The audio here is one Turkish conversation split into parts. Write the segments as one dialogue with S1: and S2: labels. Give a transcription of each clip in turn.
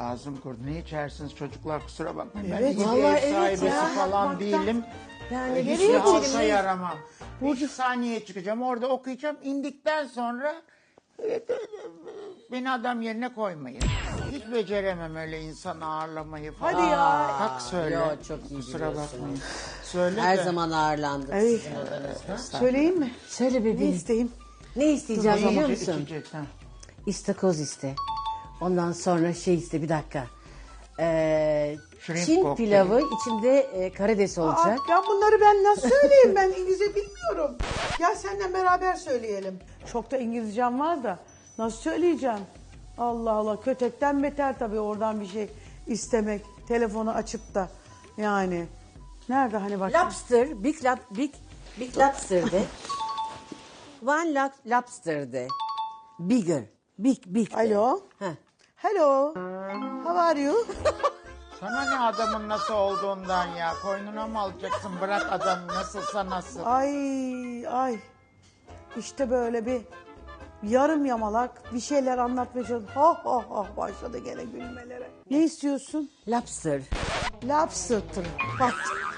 S1: ağzım kurudu. Ne içersiniz çocuklar, kusura bakmayın.
S2: Evet,
S1: Ben iyi bir
S2: vallahi
S1: ev sahibesi
S2: ya,
S1: falan
S2: bakmaktan.
S1: değilim.
S2: Yani
S1: Hiç
S2: nereye
S1: halka
S2: içelim?
S1: yaramam. Bir saniye çıkacağım, orada okuyacağım. İndikten sonra beni adam yerine koymayın. Hiç beceremem öyle insan ağırlamayı falan.
S2: Hadi ya.
S1: Hak söyle.
S3: Yo, çok iyi
S1: Kusura
S3: biliyorsun.
S1: bakmayın. Söyle
S3: Her
S1: de.
S3: zaman ağırlandık
S2: Ay.
S3: sizin odanızda.
S2: Söyleyeyim mi?
S3: Söyle
S2: Ne
S3: bebeğim.
S2: isteyeyim?
S3: Ne isteyeceğim biliyor
S1: İçecek,
S3: musun?
S1: içecek, ha.
S3: İstakoz iste. Ondan sonra şey iste, bir dakika.
S1: Shrimp
S3: Çin
S1: kokteyl.
S3: pilavı, içinde karides olacak.
S2: Ya bunları ben nasıl söyleyeyim? Ben İngilizce bilmiyorum. Gel seninle beraber söyleyelim. Çok da İngilizcem var da nasıl söyleyeceğim? Allah Allah, kötekten beter tabii oradan bir şey istemek. Telefonu açıp da yani. Nerede hani bak.
S3: Lobster, big lobster de. One lobster de. Bigger, big de.
S2: Alo.
S3: Heh.
S2: Hello. How are you?
S1: Sana ne adamın nasıl olduğundan ya? Koynuna mı alacaksın? Bırak adam nasılsa nasıl.
S2: Ay. İşte böyle bir yarım yamalak bir şeyler anlatmaya çalışıyor. Ha başladı gene gülmelere. Ne istiyorsun?
S3: Lobster.
S2: Lobster. Bak.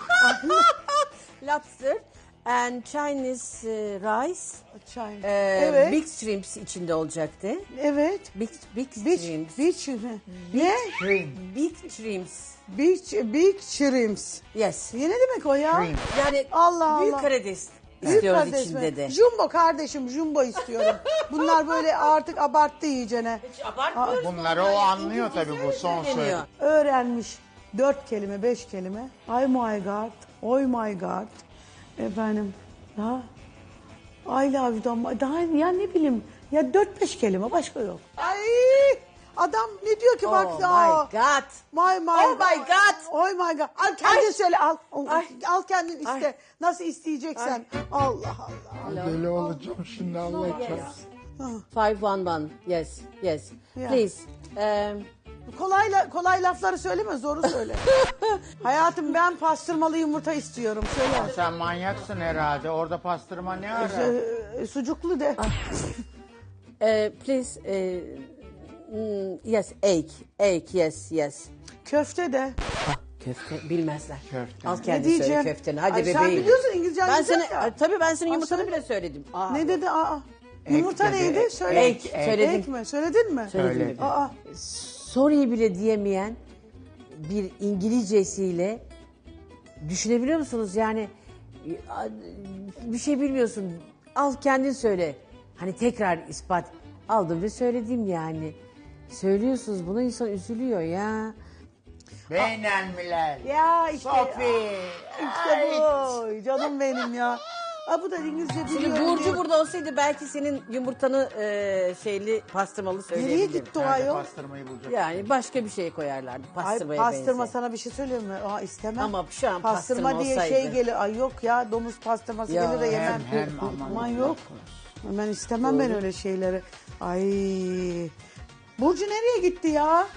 S3: Lobster and Chinese rice.
S2: Çay.
S3: Evet. Big shrimps içinde olacaktı.
S2: Evet.
S3: Big
S2: Beach,
S3: shrimps.
S2: beach mi? Ne?
S3: Big shrimps.
S2: Big shrimps.
S3: Yes.
S2: Ne demek o ya?
S1: Shrimp.
S3: Yani
S2: Allah
S3: büyük
S2: Allah.
S3: karides
S2: Büyük
S3: istiyoruz
S2: kardeş mi?
S3: içinde de.
S2: Jumbo kardeşim, jumbo istiyorum. Bunlar böyle artık abarttı iyicene.
S1: Bunları o anlıyor tabii, bu son söyledi.
S3: Söyleniyor.
S2: Öğrenmiş 4 kelime, 5 kelime. Ay my god, oy my god. Efendim, daha I love you, daha ya ne bileyim, ya 4-5 kelime, başka yok. Ay, adam ne diyor ki bak.
S3: Oh my God.
S2: My
S3: Oh my God.
S2: Oh my god. Al kendin söyle, al.
S3: Ay.
S2: Al kendin iste.
S3: Ay.
S2: Nasıl isteyeceksen. Allah Allah.
S1: Deli olacağım şimdi, Allah çarpsın.
S3: 511. Yes.
S2: Yeah.
S3: Please.
S2: Kolay lafları söyleme, zoru söyle. Hayatım, ben pastırmalı yumurta istiyorum. Söyle.
S1: Sen manyaksın herhalde. Orada pastırma ne ara?
S2: Sucuklu de.
S3: Please. Yes. Egg. Yes.
S2: Köfte de.
S3: Köfte bilmezler.
S1: Köfte.
S3: Al
S2: Ne
S3: kendi söyle
S2: diyeceğim?
S3: köfteni. Hadi
S2: Ay,
S3: bebeğim.
S2: sen biliyorsun İngilizcen
S3: Ben
S2: güzel
S3: seni,
S2: ya.
S3: tabii ben senin yumurtanı
S2: söyle.
S3: bile söyledim. Aa.
S2: Ne dedi?
S1: Ek
S2: Yumurta
S1: dedi,
S2: neydi?
S1: ek.
S2: Söyle.
S3: Ek, söyledim.
S2: Ek mi? Söyledin mi?
S1: Söyledi.
S2: Aa.
S3: Sorry bile diyemeyen bir İngilizcesiyle düşünebiliyor musunuz? Yani bir şey bilmiyorsun. Al kendin söyle. Hani tekrar ispat. Aldım ve söyledim yani. Söylüyorsunuz bunu, insan üzülüyor ya.
S1: Beynelmiler.
S2: Ya işte.
S1: Sofi.
S2: İşte bu. Canım benim ya. Aa, bu da İngilizce
S3: Şimdi
S2: biliyorum.
S3: Burcu
S2: diye.
S3: burada olsaydı belki senin yumurtanı şeyli pastırmalı
S2: Nereye
S3: söyleyebilirdim.
S2: gitti o
S1: Nerede
S2: ayol?
S1: pastırmayı bulacak?
S3: Yani başka bir şey koyarlardı.
S2: Ay,
S3: Pastırmaya
S2: pastırma
S3: benzer.
S2: sana bir şey söyleyeyim mi? Aa, istemem.
S3: Ama şu an
S2: pastırma
S3: pastırma
S2: diye
S3: olsaydı.
S2: şey gelir. Ay yok ya, domuz pastırması
S3: Ya,
S2: gelir de yemem.
S1: hem
S2: Aman yok. Ben istemem ben öyle şeyleri. Ay. Burcu nereye gitti ya?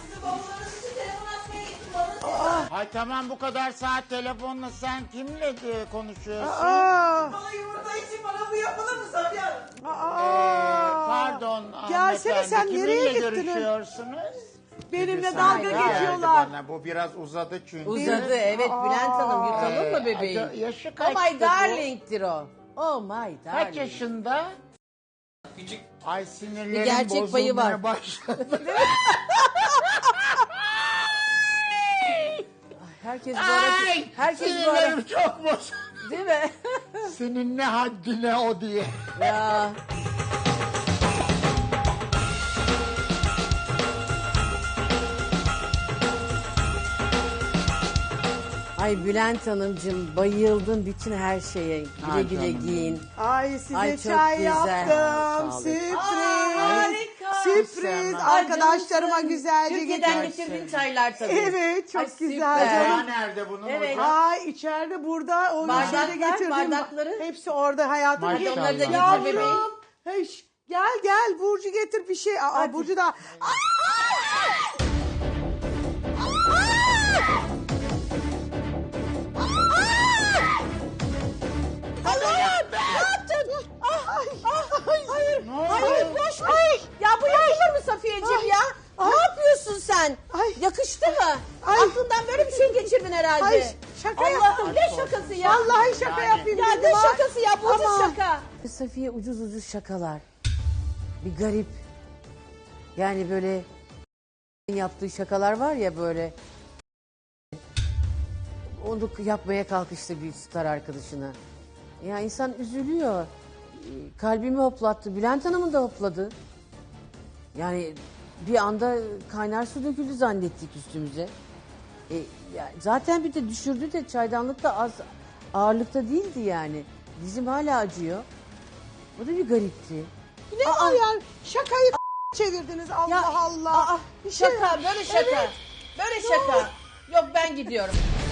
S1: Ay tamam, bu kadar saat telefonla sen kimle konuşuyorsun?
S2: Aa.
S4: Bana yumurta için bana bu yapılır mı Safiye?
S1: Pardon
S2: Gelsene,
S1: hanımefendi,
S2: sen nereye
S1: kiminle
S2: gittin?
S1: görüşüyorsunuz?
S2: Benimle
S1: Sen
S2: dalga
S1: geldi
S2: geçiyorlar.
S1: Bana. Bu biraz uzadı çünkü.
S3: Uzadı, evet Bülent Hanım, yutalım mı bebeğim?
S1: Yaşı
S3: Oh
S1: kaçtı
S3: my
S1: bu?
S3: darling'tir o. Oh my darling.
S1: Kaç yaşında? Küçük. Ay sinirlerim
S3: Bir gerçek payı var.
S1: bozulmaya başladı.
S3: Herkes bu arada,
S1: Ay,
S3: herkes bu arada,
S1: sinirlerim çok bozuldu.
S3: değil mi?
S1: Senin ne haddine o diye.
S3: Ya. Ay Bülent Hanımcığım, bayıldım bütün her şeye. Güle
S1: Ay
S3: güle
S1: canım.
S3: giyin.
S2: Ay size
S3: Ay, çok
S2: çay
S3: güzel.
S2: yaptım.
S1: Sağ olun.
S2: Sürpriz.
S3: Harika.
S2: Sürpriz.
S1: Ay,
S2: Arkadaşlarıma güzelce
S3: Türkiye'den
S2: getirdim.
S3: getirdiğin çaylar tabii.
S2: Evet, çok
S3: Ay,
S2: güzel
S3: süper.
S2: canım.
S1: Ya nerede bunun
S3: Evet.
S1: hocam?
S2: Ay içeride burada o
S3: Bardaklar,
S2: şeyde getirdim.
S3: bardakları.
S2: Hepsi orada hayatım.
S1: Maşallah.
S3: Hadi onları da getir
S1: Yavrum.
S3: bebeğim.
S2: Hey, gel Burcu getir bir şey. Aa, Burcu da. Allah'ım, ne yaptın? Hayır.
S1: Ne oldu?
S2: Hayır, boş. Ay.
S3: Ya bu yapılır mı Safiyeciğim ya? Ne yapıyorsun sen? sen?
S2: Ay.
S3: Yakıştı mı?
S2: Ay.
S3: Aklından böyle bir şey geçirdin herhalde.
S2: Ay, şaka
S3: Allah'ım
S2: yaptım.
S3: ne şakası ya?
S2: Vallahi şaka
S1: Yani.
S2: yapayım
S3: Ya
S2: dedim.
S3: ne
S2: ha.
S3: şakası ya? Bu ucuz
S2: Ama-
S3: şaka. Safiye ucuz ucuz şakalar. Bir garip. Yani böyle yaptığı şakalar var ya böyle. Onu yapmaya kalkıştı bir star arkadaşına. Ya insan üzülüyor. Kalbimi hoplattı. Bülent Hanım'ın da hopladı. Yani bir anda kaynar su döküldü zannettik üstümüze. Ya zaten bir de düşürdü de çaydanlık da az ağırlıkta değildi yani. Dizim hala acıyor. O da bir garipti.
S2: Ne var ya? Şakayı çevirdiniz Allah
S3: Ya,
S2: Allah. Bir şey-
S3: Şaka, böyle şaka.
S2: Evet.
S3: Böyle şaka. Yok ben gidiyorum.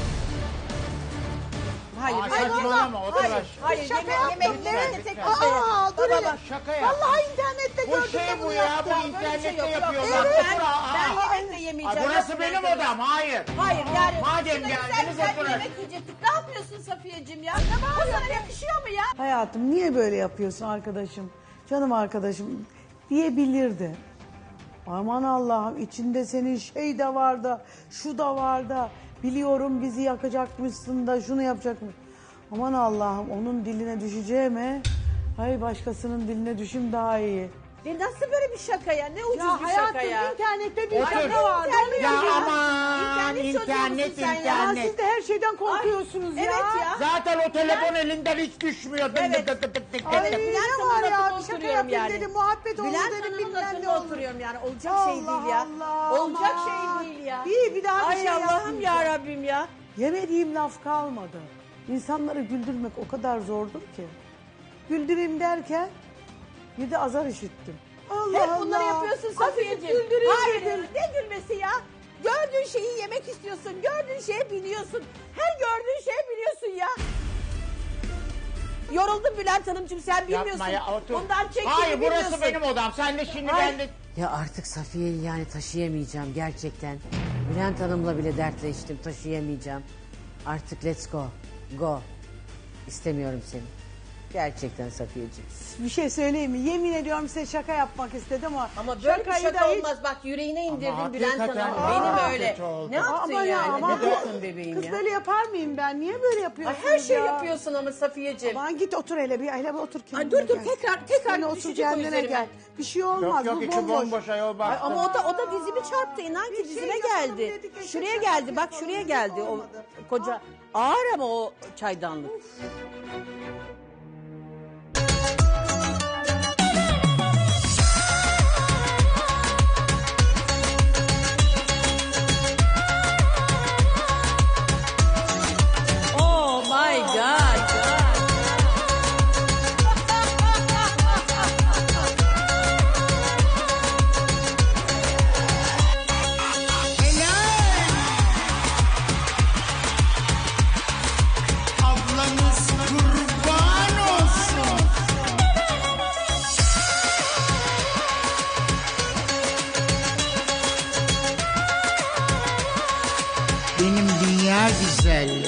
S3: Hayır,
S1: Aa,
S3: hayır,
S1: saçmalama, otur
S3: hayır,
S1: aşağı.
S3: hayır,
S2: Şaka yaptım,
S3: yemekte
S2: evet.
S3: tek
S1: Aa,
S3: masaya.
S2: dur hele.
S3: Baba,
S1: Şaka yaptım.
S2: Vallahi internette
S1: Bu
S2: gördüm
S1: şey
S2: de
S1: bu
S2: bunu
S1: ya,
S2: yaptım.
S1: bu internette
S3: yok,
S1: yapıyorlar.
S3: yok.
S1: Otur,
S3: Ben
S1: aa.
S3: yemekte yemeyeceğim.
S1: Ay, burası
S3: Yok,
S1: benim
S3: Bülent
S1: odam, hayır.
S3: Hayır yani.
S1: Madem
S3: şurada
S1: geldiniz,
S3: güzel bir
S1: oturun.
S3: yemek yiyecektik. Ne yapıyorsun Safiyeciğim ya? Bu sana yakışıyor mu ya?
S2: Hayatım niye böyle yapıyorsun arkadaşım? Canım arkadaşım diyebilirdi. Aman Allah'ım içinde senin şey de var da şu da var da biliyorum bizi yakacakmışsın da şunu yapacakmış. Aman Allah'ım onun diline düşeceğime hay başkasının diline düşüm daha iyi.
S3: Nasıl böyle bir şaka ya? Ne ucuz
S2: Ya
S3: bir şaka
S2: hayatım
S3: ya?
S2: internette bir
S1: Otur.
S2: şaka vardı.
S3: İnternet
S1: Ya
S3: ya.
S1: aman,
S3: İnternet çocuğu musun
S1: internet,
S3: sen ya?
S2: Ya
S1: internet.
S2: siz de her şeyden korkuyorsunuz ya.
S3: Evet ya.
S1: Zaten o telefon elinden hiç düşmüyor.
S3: Evet.
S1: Tık tık tık tık.
S2: Ay,
S3: Evet, Bülent
S2: ne var
S3: Hanım'ın
S2: ya
S3: lafında
S2: bir şaka
S3: oturuyorum
S2: yapayım
S3: yani.
S2: dedim muhabbet oldu
S3: Bülent
S2: dedim
S3: Hanım'ın
S2: bilmem ne
S3: lafında
S2: oldu.
S3: oturuyorum yani. Olacak şey değil ya.
S2: Allah,
S3: Olacak
S2: aman.
S3: şey değil ya.
S2: Bir daha bir
S3: Ay
S2: şey
S3: Allah'ım
S2: yapmayacağım.
S3: ya Rabbim ya.
S2: Yemediğim laf kalmadı. İnsanları güldürmek o kadar zordur ki. Güldüreyim derken bir de azar işittim. Allah
S3: Hep bunları
S2: Allah.
S3: yapıyorsun
S2: Azıcık
S3: Safiyeciğim.
S2: güldüreyim
S3: Hayır
S2: dedim.
S3: ne gülmesi ya? Gördüğün şeyi yemek istiyorsun. Gördüğün şeye biniyorsun. Her gördüğün şeye biniyorsun ya. Yoruldum Bülent Hanımcığım sen bilmiyorsun.
S1: Yapma ya, otur.
S3: Bundan çektiğini
S1: Hayır, burası
S3: bilmiyorsun.
S1: benim odam. Sen de şimdi
S3: Ay.
S1: ben de...
S3: Ya artık Safiye'yi yani taşıyamayacağım gerçekten. Bülent Hanım'la bile dertleştim taşıyamayacağım. Artık let's go. Go. İstemiyorum seni. Gerçekten Safiyeciğim.
S2: Bir şey söyleyeyim mi? Yemin ediyorum size şaka yapmak istedim
S3: Ama böyle bir
S2: şakayı
S3: şaka
S2: da hiç-
S3: olmaz. Bak yüreğine indirdin
S1: Ama
S3: Bülent
S1: hakikaten
S3: Hanım'ı. Benim
S1: çok
S3: öyle.
S1: kötü oldu.
S3: Ne yaptın
S2: Ama ya,
S3: yani?
S2: ama
S3: Ne
S2: kız-
S3: yaptın bebeğim
S2: Kız
S3: ya?
S2: böyle yapar mıyım ben? Niye böyle
S3: Ay,
S2: yapıyorsunuz
S3: her şey
S2: ya?
S3: yapıyorsun ama Safiyeciğim.
S2: Aman git otur hele bir otur kendine
S3: Ay dur dur
S2: gel.
S3: tekrar
S2: Sen otur
S3: düşecek o
S2: kendine
S3: üzerime.
S2: gel. Bir şey olmaz
S1: Yok yok,
S2: bu
S1: içi
S2: bomboş.
S1: bomboş ayol bak.
S3: Ay, ama o da dizimi çarptı inan ki
S2: Bir şey
S3: dizime
S2: yapalım
S3: geldi.
S2: dedik, eşek
S3: Şuraya
S2: şakası
S3: geldi bak
S2: yapalım
S3: şuraya
S2: dedik,
S3: geldi o
S2: olmadı.
S3: koca ağır ama o çaydanlık. Oh my god.
S1: Ablanız kurban olsun. Benim dünya güzelleri.